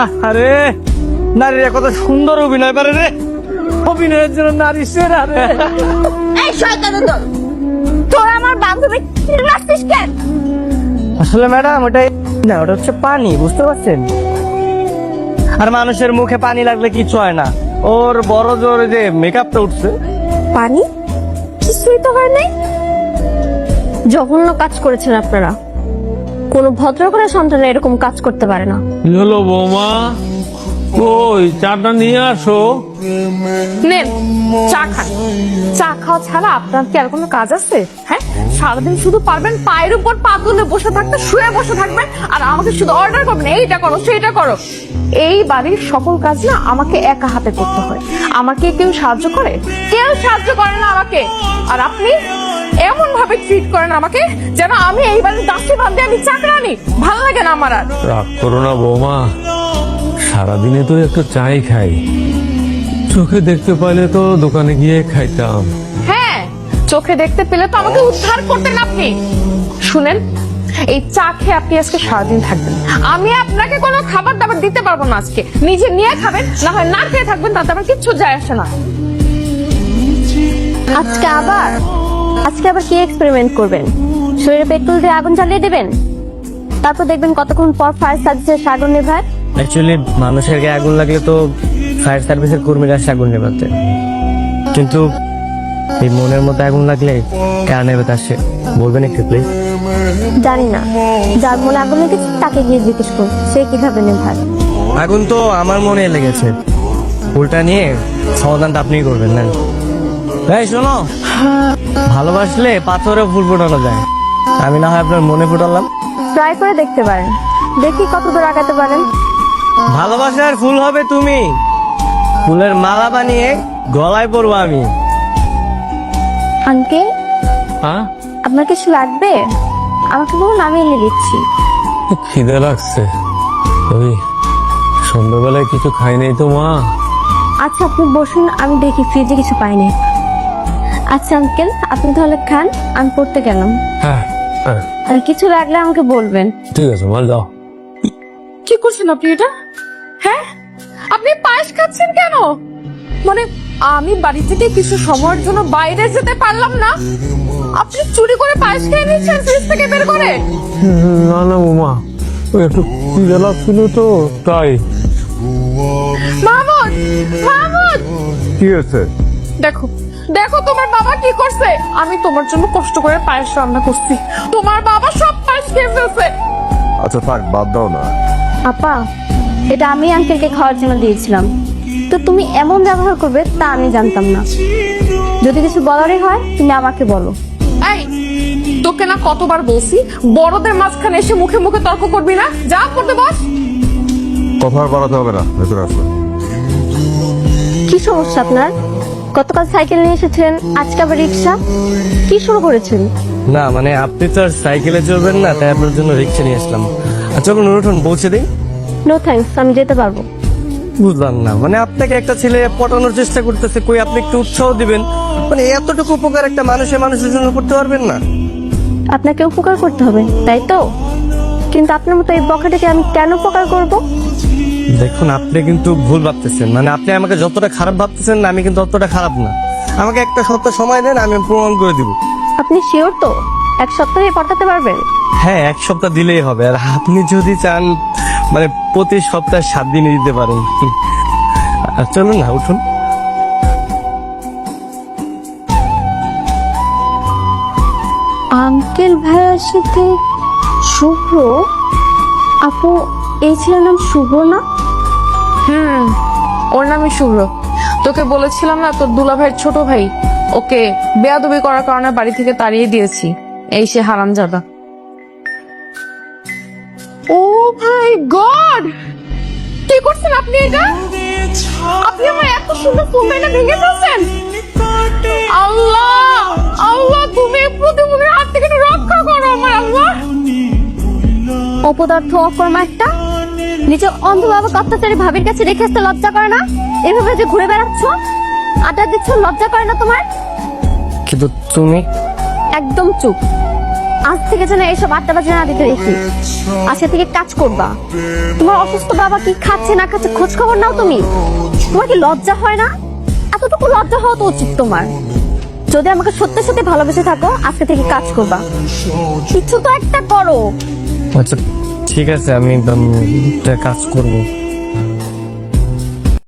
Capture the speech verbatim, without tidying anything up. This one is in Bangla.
আরে নারীরা কত সুন্দর অভিনয় পারে রে, অভিনয়ের জন্য নারী সেরা রে। এই শয়তানের দল, তোরা আমার বান্ধবী মারছিস কেন? আসলে ম্যাডাম ওটাই না, ওটা হচ্ছে পানি, বুঝতে পারছেন? আর মানুষের মুখে পানি লাগলে কিছু হয় না, ওর বড় জোর যে মেকআপটা উঠছে। পানি কিছুই তো হয় নাই। জঘন্য কাজ করেছেন আপনারা। কোনো ভদ্র করে সন্তান এরকম কাজ করতে পারে না। হলো বৌমা, কই চাটা নিয়ে আসো। নেন চা খান। চা খাওয়া ছাড়া আপনার কি আর কোনো কাজ আছে? হ্যাঁ, সারাদিন শুধু পারবেন পায়ের উপর পা তুলে বসে থাকতে, শুয়ে বসে থাকবেন আর আমাকে শুধু অর্ডার করবেন, এইটা করো সেইটা করো। এই বাড়ির সকল কাজ না আমাকে একা হাতে করতে হয়। আমাকে কেউ সাহায্য করে? কেউ সাহায্য করে না আমাকে। আর আপনি এমন ভাবে ট্রিট করেন আমাকে যেন আমি এই বাড়ির দাসী বাদ দিয়ে আমি চাকরানি। ভালো লাগে না আমার আর। রাগ করো না বৌমা, সারাদিনে তো একটু চাই খাই, চোখে দেখতে পাইলে তো দোকানে গিয়ে খাইতাম। হ্যাঁ, চোখে দেখতে পেলে তো আমাকে উদ্ধার করতেন আপনি। শুনেন, এই চা খেয়ে আপনি আজকে সারাদিন থাকবেন। আমি আপনাকে কোনো খাবার দাবার দিতে পারবো না আজকে। নিজে নিয়ে খাবেন, না হয় না খেয়ে থাকবেন, তাতে আমার কিচ্ছু যায় আসে না। আজকে আবার আজকে আবার কি এক্সপেরিমেন্ট করবেন? শরীরে পেট্রোল দিয়ে আগুন জ্বালিয়ে দেবেন, তারপর দেখবেন কতক্ষণ পর ফায়ার সার্ভিসের আগুন নেভায়। অ্যাকচুয়ালি মানুষের গায়ে আগুন লাগলে তো ফায়ার সার্ভিসের কর্মীরা আসে আগুন নেভাতে, কিন্তু এই মনের মধ্যে আগুন লাগলে কারা নেভাতে আসে বলবেন একটু প্লিজ? জানি না, যার মনে আগুন লেগেছে তাকে গিয়ে জিজ্ঞেস করুন সে কিভাবে নেভায়। আগুন তো আমার মনে লেগেছে, ফুলটা নিয়ে সমাধানটা আপনিই করবেন না? এই শোনো, ভালোবাসলে পাথরে ফুল ফোটানো যায়, আমি না হয় আপনার মনে ফোটালাম। ট্রাই করে দেখতে পারেন, দেখি কত দূর আগাতে পারেন। ভালোবাসার ফুল হবে তুমি, ফুলের মালা বানিয়ে গলায় পরবো আমি। আঙ্কেল, হ্যাঁ, আপনার কিছু লাগবে? আমাকে বলুন, আমি এনে দিচ্ছি। খিদে লাগছে, ওই সন্ধ্যাবেলায় কিছু খাই নাই তো মা। আচ্ছা আপনি বসুন, আমি দেখি ফ্রিজে কিছু পাইনি। আচ্ছা আঙ্কেল, আপনি তাহলে খান, আমি পড়তে গেলাম। হ্যাঁ হ্যাঁ, আর কিছু লাগলে আমাকে বলবেন। ঠিক আছে মাল যাও। কি করছেন আপনি এটা? হ্যাঁ, আপনি পায়েস খাচ্ছেন কেন? মানে আমি বাড়ি থেকে কিছু সময়ের জন্য বাইরে যেতে পারলাম না, আপনি চুরি করে পায়েস খেয়ে নিচ্ছেন ফ্রিজ থেকে বের করে? না না বৌমা, ওই একটু খিদে লাগছিল তো তাই। মাহমুদ, মাহমুদ, কি হয়েছে? দেখো দেখো তোমার বাবা কি করছে। আমি তোমার জন্য কষ্ট করে পায়েস রান্না করছি, তোমার বাবা সব পায়েস খেয়ে ফেলছে। আচ্ছা থাক, বাদ দাও না। আপা, এটা আমি আঙ্কেলকে খাওয়ার জন্য দিয়েছিলাম, তো তুমি এমন ব্যবহার করবে তা আমি জানতাম না। যদি কিছু বলারই হয় তুমি আমাকে বলো। এই, তোকে না কতবার বলছি বড়দের মাঝখানে এসে মুখে মুখে তর্ক করবি না, যা করতে বস। কথা আর বাড়াতে হবে না, ভেতরে আসো। কি সমস্যা আপনার? গতকাল সাইকেল নিয়ে এসেছেন, আজকে আবার রিক্সা, কি শুরু করেছেন? না মানে আপনি তো আর সাইকেলে চলবেন না, তাই আপনার জন্য রিক্সা নিয়ে আসলাম। আচ্ছা চলুন উঠুন, পৌঁছে দিই। নো থ্যাঙ্কস, আমি যেতে পারবো। বুঝলাম না, মানে আপনাকে একটা ছেলে পটানোর চেষ্টা করতেছে, কই আপনি একটু উৎসাহ দিবেন? মানে এতটুকু উপকার একটা মানুষের মানুষের জন্য করতে পারবেন না? আপনাকে উপকার করতে হবে তাই তো, কিন্তু আপনার মতো এই বখাটেকে আমি কেন উপকার করব? দেখুন আপনি কিন্তু ভুল ভাবতেছেন, মানে আপনি আমাকে যতটা খারাপ ভাবতেছেন না, আমি কিন্তু অতটা খারাপ না। আমাকে একটা সপ্তাহ সময় দেন, আমি প্রমাণ করে দিব। আপনি শিওর তো এক সপ্তাহে পটাতে পারবেন? হ্যাঁ, এক সপ্তাহ দিলেই হবে। আর আপনি যদি চান মানে প্রতি সপ্তাহে সাত দিনে দিতে পারেন। আর চলুন না, উঠুন। আঙ্কেল ভাইয়ের সাথে শুভ্র আপু, এই ছেলের নাম শুভ্র না? হুম, ওর নামই শুভ্র। তোকে বলেছিলাম না তোর দুলা ভাইয়ের ছোট ভাই, ওকে বেয়াদবি করার কারণে বাড়ি থেকে তাড়িয়ে দিয়েছি। এই সে হারামজাদা। ও মাই গড, কি করছেন আপনি এটা? আপনি আমার এত সুন্দর ফুলটা ভেঙে ফেলছেন। আল্লাহ আল্লাহ, তুমি এই প্রতিমূলের হাত থেকে একটু রক্ষা করো আমার আল্লাহ। অপদার্থ অকর্মা একটা, নিজে অন্ধভাবে অত্যাচারী ভাবির কাছে রেখে আসতে লজ্জা করে না? এভাবে যে ঘুরে বেড়াচ্ছ, আড্ডা দিচ্ছ, লজ্জা করে না তোমার? কিন্তু তুমি একদম চুপ। আজ থেকে যেন এইসব আড্ডা বাজে না দিতে দেখি। আজকে থেকে কাজ করবা। তোমার অসুস্থ বাবা কি খাচ্ছে না খাচ্ছে খোঁজ খবর নাও তুমি। তোমার কি লজ্জা হয় না? এতটুকু লজ্জা হওয়া তো উচিত তোমার। যদি আমাকে সত্যি সত্যি ভালোবেসে থাকো আজকে থেকে কাজ করবা। কিছু তো একটা করো। আচ্ছা ঠিক আছে, আমি উম, একটা কাজ করবো।